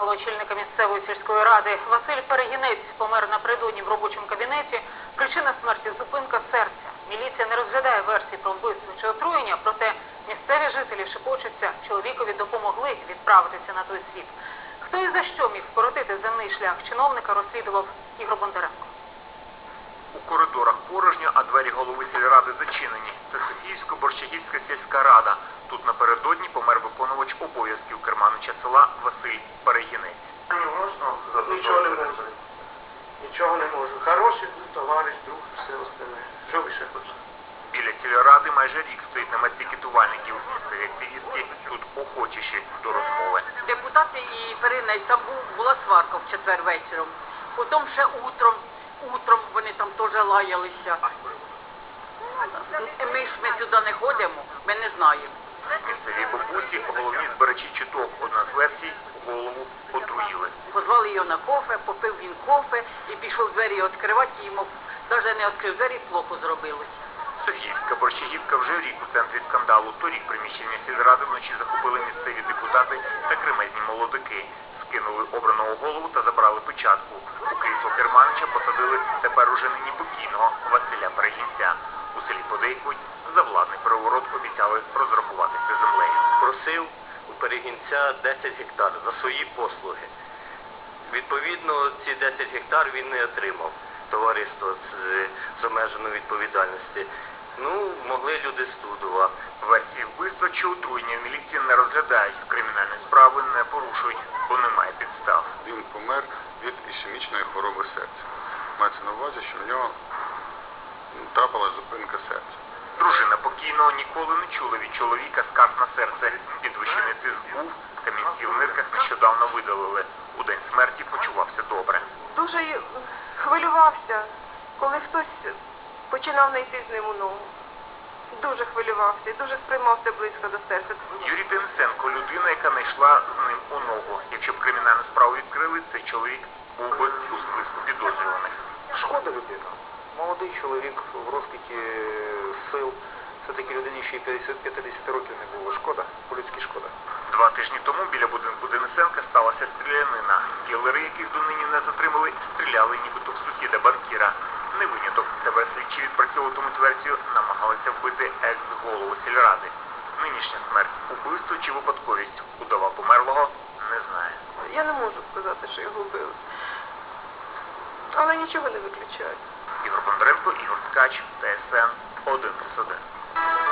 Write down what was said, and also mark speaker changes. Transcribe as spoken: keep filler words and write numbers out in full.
Speaker 1: Очільника місцевої сільської ради Василь Перегінець помер напередодні в робочому кабінеті. Причина смерті – зупинка серця. Міліція не розглядає версії про вбивство чи отруєння, проте місцеві жителі шепочуться, чоловікові допомогли відправитися на той світ. Хто і за що міг скоротити земний шлях чиновника, розслідував Ігор Бондаренко.
Speaker 2: У коридорах порожньо, а двері голови сільради зачинені. Це Софіївсько-Борщагівська сільська рада. Тут напередодні помер виконувач обов'язків керманича села Василь Перегінець.
Speaker 3: Нічого не можу. Нічого не можу. Хороший товариш, друг, все остальне. Що ви ще хочете?
Speaker 2: Біля сільради майже рік стоїть намет пікетувальників. Місцеві активістки тут охочіші до розмови.
Speaker 4: Депутати і Перегінець, там був, була сварка в четвер вечором. Потім ще утром, утром вони там теж лаялися. Ми ж ми сюди не ходимо, ми не знаємо.
Speaker 2: Місцеві бабусі, головні збирачі чуток. Одна з версій – голову отруїли.
Speaker 4: Позвали його на кофе, попив він кофе і пішов двері відкривати, і йому навіть не відкрив двері, плохо зробилося.
Speaker 2: Софіївська Борщагівка вже рік у центрі скандалу. Торік приміщення сільради вночі захопили місцеві депутати та кремезні молодики. Скинули обраного голову та забрали печатку. У крісло керманича посадили тепер уже нині покійного Василя Перегінця. У селі подейкують, за владний переворот обіцяли розрахуватися землею.
Speaker 5: Просив у Перегінця десять гектар за свої послуги. Відповідно, ці десять гектар він не отримав. Товариство з, з обмеженою відповідальності. Ну, могли люди студова.
Speaker 2: Версії вбивства чи отруєння в міліції не розглядають. Кримінальні справи не порушують, бо немає підстав.
Speaker 6: Він помер від ішемічної хвороби серця. Мається на увазі, що в нього трапилась зупинка серця.
Speaker 2: Дружина покійного ніколи не чула від чоловіка скарг на серце. Підвищений тиск був, камінці в нирках нещодавно видалили. У день смерті почувався добре.
Speaker 7: Дуже хвилювався, коли хтось починав не йти з ним у ногу. Дуже хвилювався і дуже сприймався близько до серця.
Speaker 2: Юрій Денисенко – людина, яка не йшла з ним у ногу. Якщо б кримінальну справу відкрили, цей чоловік був би у списку підозрюваних.
Speaker 3: Шкода людина. Молодий чоловік в розквіті сил. Все-таки людині ще й п'ятдесят років не було. Шкода, по-людськи шкода.
Speaker 2: Два тижні тому біля будинку Денисенка сталася стрілянина. Кілери, яких донині не затримали, стріляли нібито в сусіда банкіра. Не виняток. Тепер слідчі відпрацьовуватимуть версію, намагалися вбити екс-голову сільради. Нинішня смерть – убивство чи випадковість? Удова померлого не знає.
Speaker 7: Я не можу сказати, що його вбили. Але нічого не виключаю.
Speaker 2: Ігор Бондаренко, Ігор Ткач, Т С Н один плюс один.